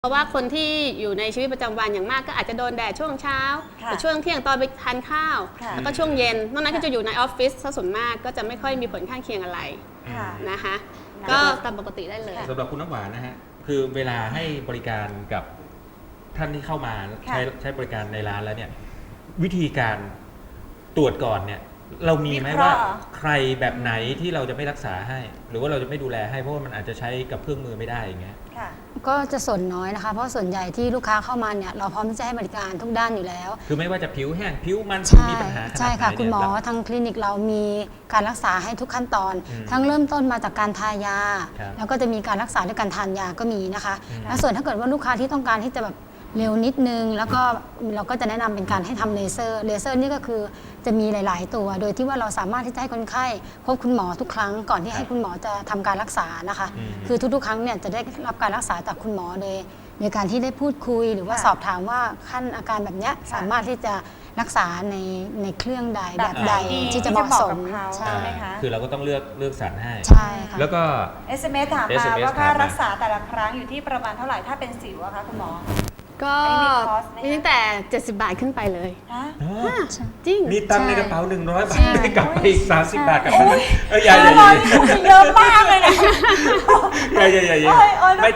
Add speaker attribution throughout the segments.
Speaker 1: เพราะว่าคนที่อยู่ในชีวิตประจำวันอย่างมากก็อาจจะโดนแดดช่วงเช้าหรือช่วงเที่ยงตอนไปทานข้าวแล้วก็ช่วงเย็นนอกนั้นก็จะอยู่ในออฟฟิศซะส่วนมากก็จะไม่ค่อยมีผลข้างเคียงอะไรนะคะก็ตามปกติได้เลย
Speaker 2: สำหรับคุณน้ำหวานนะฮะคือเวลาให้บริการกับท่านที่เข้ามาใช้บริการในร้านแล้วเนี่ยวิธีการตรวจก่อนเนี่ยเรามีไหมว่าใครแบบไหนที่เราจะไม่รักษาให้หรือว่าเราจะไม่ดูแลให้เพราะว่ามันอาจจะใช้กับเครื่องมือไม่ได้อย่างเงี้ย
Speaker 3: ก็จะส่วนน้อยนะคะเพราะส่วนใหญ่ที่ลูกค้าเข้ามาเนี่ยเราพร้อมที่จะให้บริการทุกด้านอยู่แล้ว
Speaker 2: คือไม่ว่าจะผิวแห้งผิวมันมีปัญหา
Speaker 3: ใช่ค่ะคุณหมอทางคลินิกเรามีการรักษาให้ทุกขั้นตอนทั้งเริ่มต้นมาจากการทายาแล้วก็จะมีการรักษาด้วยการทานยาก็มีนะคะและส่วนถ้าเกิดว่าลูกค้าที่ต้องการที่จะแบบเร็วนิดนึงแล้วก็เราก็จะแนะนำเป็นการให้ทำเลเซอร์นี่ก็คือจะมีหลายๆตัวโดยที่ว่าเราสามารถที่จะให้คนไข้พบคุณหมอทุกครั้งก่อนที่ให้คุณหมอจะทำการรักษานะคะคือทุกๆครั้งเนี่ยจะได้รับการรักษาจากคุณหมอโดยการที่ได้พูดคุยหรือว่าสอบถามว่าขั้นอาการแบบนี้สามารถที่จะรักษาในเครื่องใดแบบใดที่จะเหมาะสม
Speaker 2: ใช่ไหมคะคือเราก็ต้องเลือกสรรให้
Speaker 3: ใช่ค่ะ
Speaker 2: แล้วก็
Speaker 4: SMS ถามมาว่าค่ารักษาแต่ละครั้งอยู่ที่ประมาณเท่าไหร่ถ้าเป็นสิวอะคะคุณหมอ
Speaker 1: ก็มีตั้งแต่70 บาทขึ้นไปเลยจริง
Speaker 2: มีตังค์ในกระเป๋า100 บาทได้กลับไปอีก30 บาทกลับไป
Speaker 4: ใหญ่เยอะมากเลยนะ
Speaker 2: ใหญ่ไม่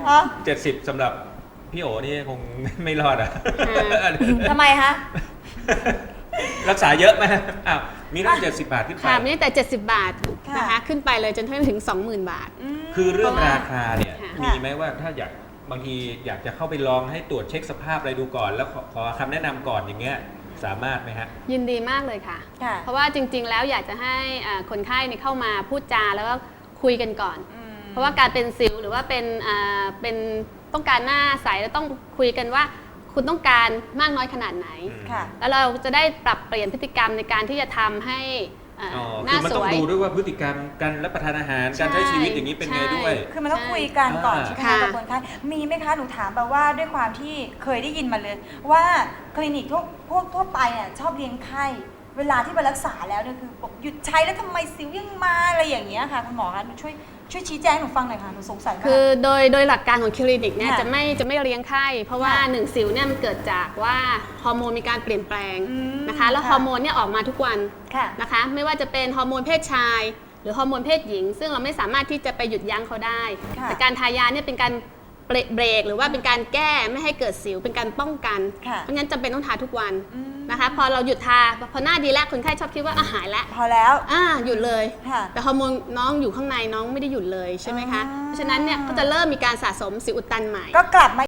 Speaker 2: 70สำหรับพี่โอนี่คงไม่รอดอ่ะ
Speaker 4: ทำไมคะ
Speaker 2: รักษาเยอะไหมอ้าวมีตั้ง70 บาทขึ้นไป
Speaker 1: ค่ะมีตั้งแต่70 บาทนะคะขึ้นไปเลยจนถึง 20,000 บาท
Speaker 2: คือเรื่องราคาเนี่ยมีไหมว่าถ้าบางทีอยากจะเข้าไปลองให้ตรวจเช็คสภาพอะไรดูก่อนแล้วขอคำแนะนำก่อนอย่างเงี้ยสามารถไหมฮะ
Speaker 1: ยินดีมากเลยค่ะเพราะว่าจริงๆแล้วอยากจะให้คนไข้เข้ามาพูดจาแล้วก็คุยกันก่อนเพราะว่าการเป็นสิวหรือว่าเป็นต้องการหน้าใสแล้วต้องคุยกันว่าคุณต้องการมากน้อยขนาดไหนแล้วเราจะได้ปรับเปลี่ยนพฤติกรรมในการที่จะทำให้
Speaker 2: คือมันต้องดูด้วยว่าพฤติกรรมการรับประทานอาหารการใช้ชีวิตอย่างนี้เป็นไงด้วย
Speaker 4: คือมันต้องคุยกันก่อนใช่ไหมคะกับคนไข้มีไหมคะหนูถามแบบว่าด้วยความที่เคยได้ยินมาเลยว่าคลินิกทั่วไปเนี่ยชอบเลี้ยงไข้เวลาที่ไปรักษาแล้วเนี่ยคือหยุดใช้แล้วทำไมสิวยังมาอะไรอย่างเงี้ยค่ะคุณหมอคะช่วยชี้แจงหนูฟังหน่อยค่ะหนูสงสัยมาก
Speaker 1: คือโดยหลักการของคลินิกเนี่ยจะไม่เลี้ยงไข้เพราะว่า1สิวเนี่ยมันเกิดจากว่าฮอร์โมนมีการเปลี่ยนแปลงนะคะแล้วฮอร์โมนเนี่ยออกมาทุกวันนะคะไม่ว่าจะเป็นฮอร์โมนเพศชายหรือฮอร์โมนเพศหญิงซึ่งเราไม่สามารถที่จะไปหยุดยั้งเขาได้แต่การทายาเนี่ยเป็นการเบรกหรือว่าเป็นการแก้ไม่ให้เกิดสิวเป็นการป้องกันเพราะงั้นจำเป็นต้องทาทุกวันนะคะพอเราหยุดทาพอหน้าดีแล้วคนไข้ชอบคิดว่าหายแล้ว
Speaker 4: พอแล้ว
Speaker 1: หยุดเลยแต่ฮอร์โมนน้องอยู่ข้างในน้องไม่ได้หยุดเลยใช่ไหมคะเพราะฉะนั้นเนี่ยก็จะเริ่มมีการสะสมสิวอุดตันใหม่
Speaker 4: ก็กลับมา